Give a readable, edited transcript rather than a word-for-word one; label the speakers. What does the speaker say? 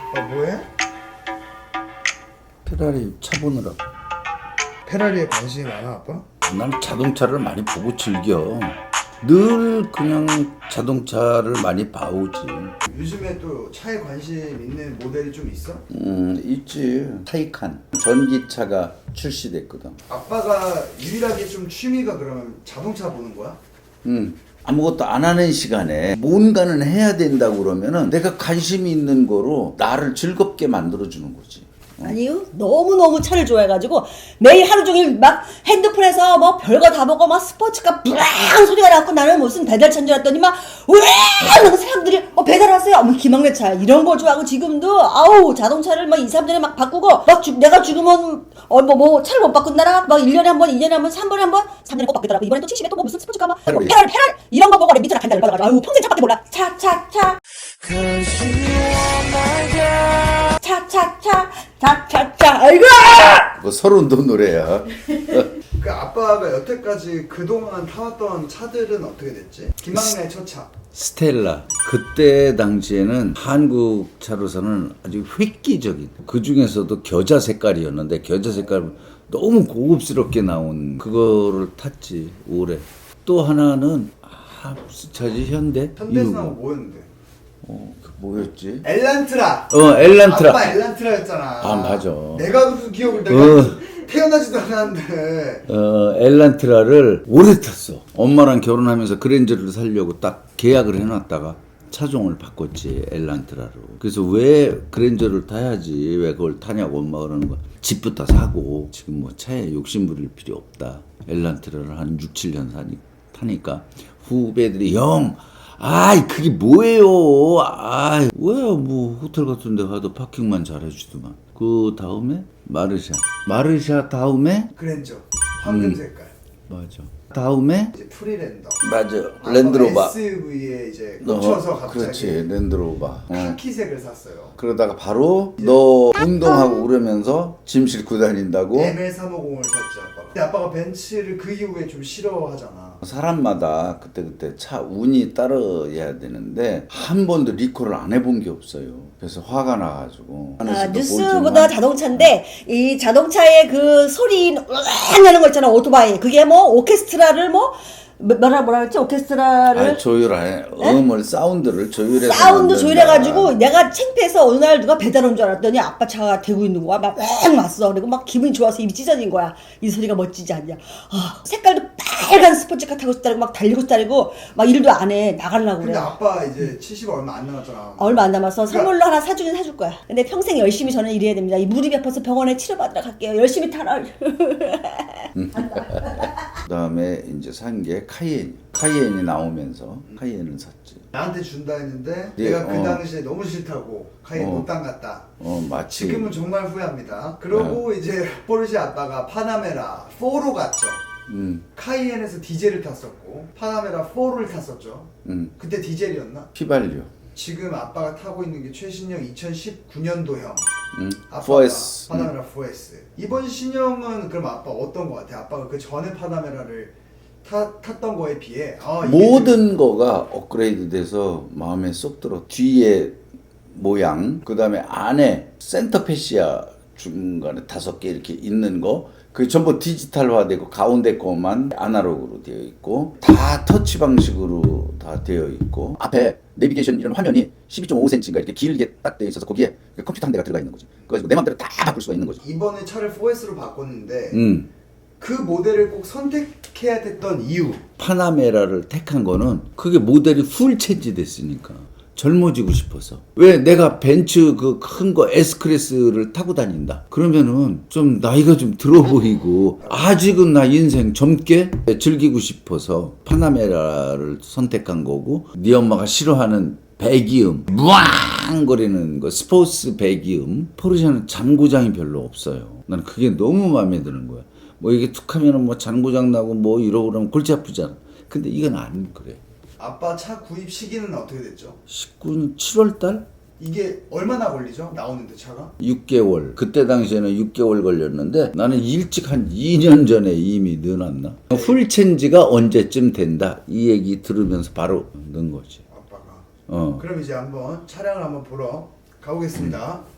Speaker 1: 뭐해?
Speaker 2: 페라리 차 보느라.
Speaker 1: 페라리에 관심이 많아 아빠?
Speaker 2: 난 자동차를 많이 보고 즐겨. 늘 그냥 자동차를 많이 봐오지.
Speaker 1: 요즘에 또 차에 관심 있는 모델이 좀 있어?
Speaker 2: 있지. 타이칸 전기차가 출시됐거든.
Speaker 1: 아빠가 유일하게 좀 취미가 그러면 자동차 보는 거야?
Speaker 2: 아무것도 안 하는 시간에 뭔가는 해야 된다고 그러면은 내가 관심이 있는 거로 나를 즐겁게 만들어주는 거지.
Speaker 3: 아니요. 너무너무 차를 좋아해가지고 매일 하루 종일 막 핸드폰에서 뭐 별거 다 보고 막 스포츠카 뿌랑 소리가 나고 나는 무슨 배달차인 줄 알았더니 막 으앙 사람들이 배달하세요. 뭐 기막내 차 이런 거 좋아하고 지금도 아우 자동차를 막 2, 3년에 막 바꾸고 막 내가 죽으면 뭐 차를 못 바꾼다라 막 1년에 한 번, 2년에 한 번, 3번에 한 번, 3년에 꼭 바뀌더라고. 이번에 또 70에 또 뭐 무슨 스포츠카 막 페럴 이런 거 보고 내 밑으로 간다 열받아가지고 아유 평생 차밖에 몰라. 차 아이고
Speaker 2: 뭐 서른도 노래야.
Speaker 1: 그 아빠가 여태까지 그동안 타왔던 차들은 어떻게 됐지? 김학래의 첫 차.
Speaker 2: 스텔라. 그때 당시에는 한국 차로서는 아주 획기적인, 그 중에서도 겨자 색깔이었는데 겨자 색깔 너무 고급스럽게 나온 그거를 탔지 오래. 또 하나는 무슨 차지? 현대?
Speaker 1: 현대에서 뭐였는데?
Speaker 2: 그 뭐였지?
Speaker 1: 엘란트라.
Speaker 2: 엘란트라.
Speaker 1: 아빠 엘란트라였잖아.
Speaker 2: 아, 맞아.
Speaker 1: 내가 무슨 기억을 내가 태어나지도 않았는데.
Speaker 2: 엘란트라를 오래 탔어. 엄마랑 결혼하면서 그랜저를 사려고 딱 계약을 해놨다가 차종을 바꿨지, 엘란트라로. 그래서 왜 그랜저를 타야지 왜 그걸 타냐고 엄마가 그러는 거야. 집부터 사고 지금 뭐 차에 욕심 부릴 필요 없다. 엘란트라를 한 6, 7년 타니까 후배들이 그게 뭐예요? 왜 뭐 호텔 같은 데 가도 파킹만 잘해주더만. 그 다음에 마르샤 다음에
Speaker 1: 그랜저 황금 색깔.
Speaker 2: 맞아. 다음에
Speaker 1: 이제 프리랜더.
Speaker 2: 맞아. 랜드로버.
Speaker 1: SUV에 이제 꽂혀서 갑자기.
Speaker 2: 그렇지. 랜드로버.
Speaker 1: 카키색을 샀어요.
Speaker 2: 그러다가 바로 너 운동하고 그러면서 짐 싣고 다닌다고.
Speaker 1: ML350을 샀지 아빠가. 근데 아빠가 벤츠를 그 이후에 좀 싫어하잖아.
Speaker 2: 사람마다 그때 차 운이 따라야 되는데 한 번도 리콜을 안 해본 게 없어요. 그래서 화가 나가지고.
Speaker 3: 뉴스보다 자동차인데 이 자동차의 그 소리 으앙 나는 거 있잖아. 오토바이 그게 뭐 오케스트라를 뭐라 그랬지? 오케스트라를
Speaker 2: 조율해. 사운드를 조율해서
Speaker 3: 사운드
Speaker 2: 만든다.
Speaker 3: 조율해가지고 내가 창피해서 어느 날 누가 배달 온 줄 알았더니 아빠 차가 대고 있는 거야. 막 왔어. 그리고 막 기분이 좋아서 입이 찢어진 거야. 이 소리가 멋지지 않냐. 색깔도 빨간 스포츠카 타고 싶다고 막 달리고 싶다고 막 일도 안 해. 나가려고
Speaker 1: 근데
Speaker 3: 그래.
Speaker 1: 아빠 이제 70 얼마 안 남았잖아.
Speaker 3: 얼마 안 남아서 선물로 하나 사주긴 사줄 거야. 근데 평생 열심히 저는 일해야 됩니다. 이 무릎이 아파서 병원에 치료받으러 갈게요. 열심히 타라.
Speaker 2: 그다음에 이제 산 게 카이엔이 나오면서 카이엔을 샀지.
Speaker 1: 나한테 준다 했는데
Speaker 2: 예,
Speaker 1: 내가 그 당시에 너무 싫다고 카이엔 못 담갔다.
Speaker 2: 마치.
Speaker 1: 지금은 정말 후회합니다. 그러고 이제 포르쉐 아빠가 파나메라 4로 갔죠. 카이엔에서 디젤을 탔었고 파나메라 4를 탔었죠. 그때 디젤이었나?
Speaker 2: 휘발유.
Speaker 1: 지금 아빠가 타고 있는 게 최신형 2019년도형
Speaker 2: 4S.
Speaker 1: 파나메라 4S. 이번 신형은 그럼 아빠 어떤 거 같아? 아빠가 그 전에 파나메라를 탔던 거에 비해
Speaker 2: 모든 거가 업그레이드 돼서 마음에 쏙 들어. 뒤에 모양, 그 다음에 안에 센터 패시아 중간에 5개 이렇게 있는 거, 그게 전부 디지털화되고 가운데 거만 아날로그로 되어 있고 다 터치 방식으로 다 되어 있고 앞에 내비게이션 이런 화면이 12.5cm인가 이렇게 길게 딱 되어 있어서 거기에 컴퓨터 한 대가 들어가 있는 거지. 그래서 내 맘대로 다 바꿀 수가 있는 거지.
Speaker 1: 이번에 차를 4S로 바꿨는데 그 모델을 꼭 선택해야 됐던 이유.
Speaker 2: 파나메라를 택한 거는 그게 모델이 풀 체인지 됐으니까 젊어지고 싶어서. 왜 내가 벤츠 그 큰 거 S클래스를 타고 다닌다 그러면은 좀 나이가 좀 들어 보이고 아직은 나 인생 젊게 즐기고 싶어서 파나메라를 선택한 거고, 네 엄마가 싫어하는 배기음, 무앙거리는 거, 스포츠 배기음. 포르쉐는 잔고장이 별로 없어요. 나는 그게 너무 마음에 드는 거야. 뭐 이게 툭 하면은 뭐 잔고장 나고 뭐 이러고 그러면 골치 아프잖아. 근데 이건 안 그래.
Speaker 1: 아빠 차 구입 시기는 어떻게 됐죠?
Speaker 2: 19년 7월달?
Speaker 1: 이게 얼마나 걸리죠? 나오는데 차가?
Speaker 2: 6개월. 그때 당시에는 6개월 걸렸는데 나는 일찍 한 2년 전에 이미 넣어놨나? 풀 체인지가 언제쯤 된다 이 얘기 들으면서 바로 넣은 거지.
Speaker 1: 아빠가. 그럼 이제 한번 차량을 한번 보러 가보겠습니다.